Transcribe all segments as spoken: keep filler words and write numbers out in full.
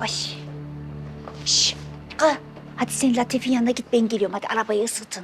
Ay. Şş. Kız. Hadi sen Latif'in yanına git, ben geliyorum. Hadi arabayı ısıtın.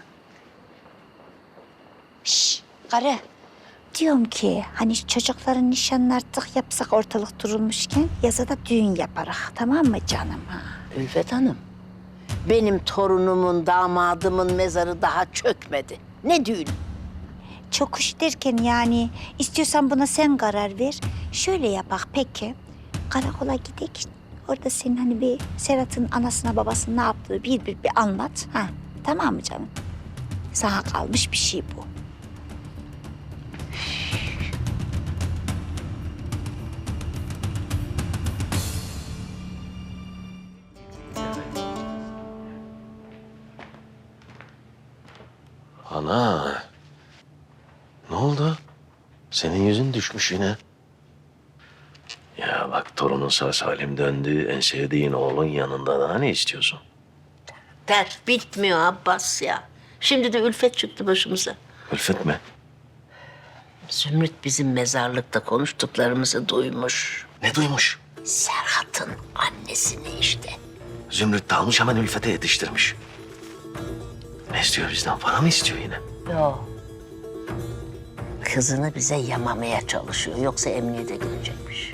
Şş. Karı. Diyorum ki hani çocukların nişanını artık yapsak ortalık durulmuşken yaza da düğün yaparak, tamam mı canım? Ha? Ülfet Hanım, benim torunumun, damadımın mezarı daha çökmedi. Ne düğün? Çok hoş derken yani istiyorsan buna sen karar ver. Şöyle yapak peki. Karakola gidek. Orada senin hani bir Serhat'ın anasına babasına ne yaptığı bir bir bir anlat. Ha, tamam mı canım? Sana kalmış bir şey bu. Ana. Ne oldu? Senin yüzün düşmüş yine. Ya bak torunun sağ salim döndü. En sevdiğin oğlun yanında daha ne istiyorsun? Dert bitmiyor Abbas ya. Şimdi de Ülfet çıktı başımıza. Ülfet mi? Zümrüt bizim mezarlıkta konuştuklarımızı duymuş. Ne duymuş? Serhat'ın annesini işte. Zümrüt de almış hemen Ülfet'e yetiştirmiş. Ne istiyor bizden? Para mı istiyor yine? Yok. Kızını bize yamamaya çalışıyor. Yoksa emniyete gidecekmiş.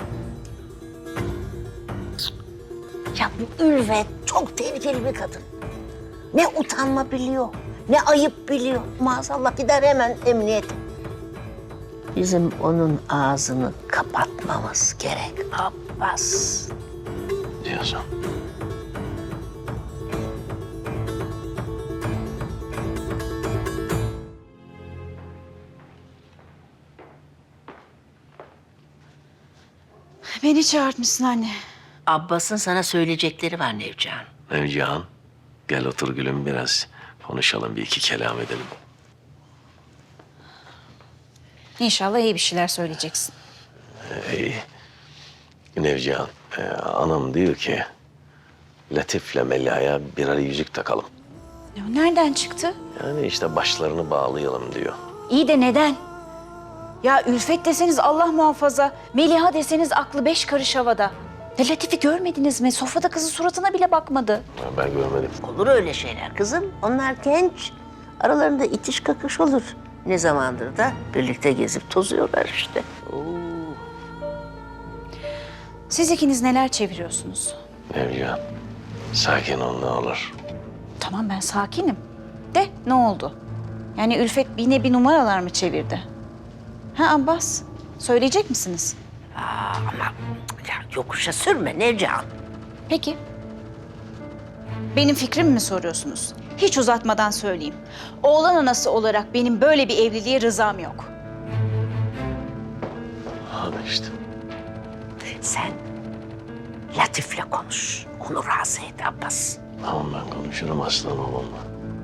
Ya bu Ülfet çok tehlikeli bir kadın. Ne utanma biliyor, ne ayıp biliyor. Maazallah gider hemen emniyete. Bizim onun ağzını kapatmamız gerek Abbas. Diyorsun. Beni çağırtmışsın anne. Abbas'ın sana söyleyecekleri var Nevcihan. Nevcihan, gel otur gülüm biraz. Konuşalım, bir iki kelam edelim. İnşallah iyi bir şeyler söyleyeceksin. Ey, Nevcihan, e, anam diyor ki... Latif'le Melia'ya birer yüzük takalım. Ya nereden çıktı? Yani işte başlarını bağlayalım diyor. İyi de neden? Ya Ülfet deseniz Allah muhafaza, Meliha deseniz aklı beş karış havada. Ya Latif'i görmediniz mi? Sofrada kızın suratına bile bakmadı. Ya ben görmedim. Olur öyle şeyler kızım. Onlar genç. Aralarında itiş kakış olur. Ne zamandır da birlikte gezip tozuyorlar işte. Siz ikiniz neler çeviriyorsunuz? Nevcihan, sakin ol ne olur. Tamam ben sakinim. De ne oldu? Yani Ülfet yine bir numaralar mı çevirdi? Ha Abbas, söyleyecek misiniz? Ama ya yokuşa sürme Nevcihan. Peki. Benim fikrimi mi soruyorsunuz? Hiç uzatmadan söyleyeyim. Oğlan anası olarak benim böyle bir evliliğe rızam yok. Hadi işte. Sen Latif'le konuş. Onu razı et Abbas. Tamam ben konuşurum aslan oğlumla.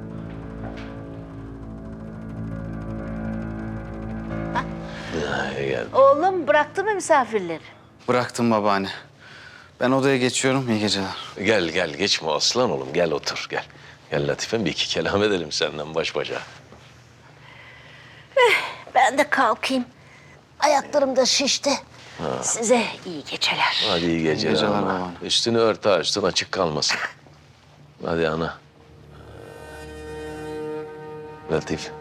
Ya, gel. Oğlum bıraktı mı misafirleri? Bıraktım babaanne. Ben odaya geçiyorum. İyi geceler. Gel gel geçme aslan oğlum gel otur gel. Gel Latife'm bir iki kelam edelim senden baş başa. Ben de kalkayım. Ayaklarım da şişti. Size iyi geceler. Hadi iyi geceler, geceler ana. babaanne. Üstünü ört ha üstün açık kalmasın. Hadi ana. Latif.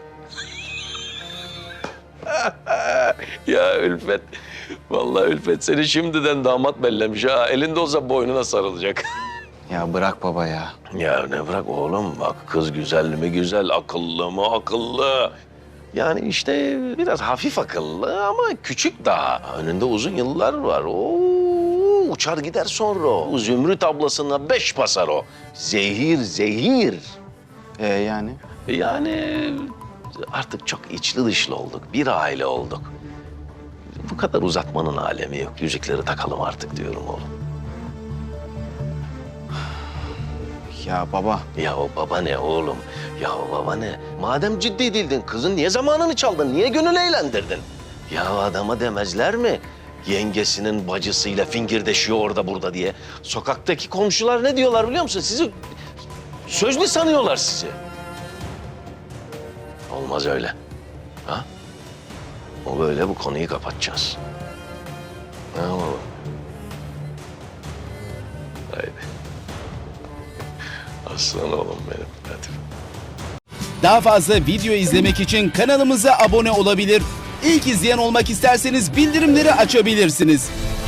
Ya Ülfet. Vallahi Ülfet seni şimdiden damat bellemiş ha. Elinde olsa boynuna sarılacak. Ya bırak baba ya. Ya ne bırak oğlum bak kız güzel mi güzel, akıllı mı akıllı. Yani işte biraz hafif akıllı ama küçük daha. Önünde uzun yıllar var. Oo, uçar gider sonra o. Zümrüt ablasına beş basar o. Zehir zehir. Ee yani? Yani artık çok içli dışlı olduk. Bir aile olduk. Bu kadar uzatmanın alemi yok. Yüzükleri takalım artık diyorum oğlum. Ya baba. Ya o baba ne oğlum? Ya o baba ne? Madem ciddi değildin kızın niye zamanını çaldın? Niye gönül eğlendirdin? Ya adama demezler mi? Yengesinin bacısıyla fingirdeşiyor orada burada diye. Sokaktaki komşular ne diyorlar biliyor musun? Sizi sözlü sanıyorlar sizi. Olmaz öyle. Ha? O böyle bu konuyu kapatacağız. Ne oğlum? Aslan oğlum benim. Hadi. Daha fazla video izlemek için kanalımıza abone olabilir. İlk izleyen olmak isterseniz bildirimleri açabilirsiniz.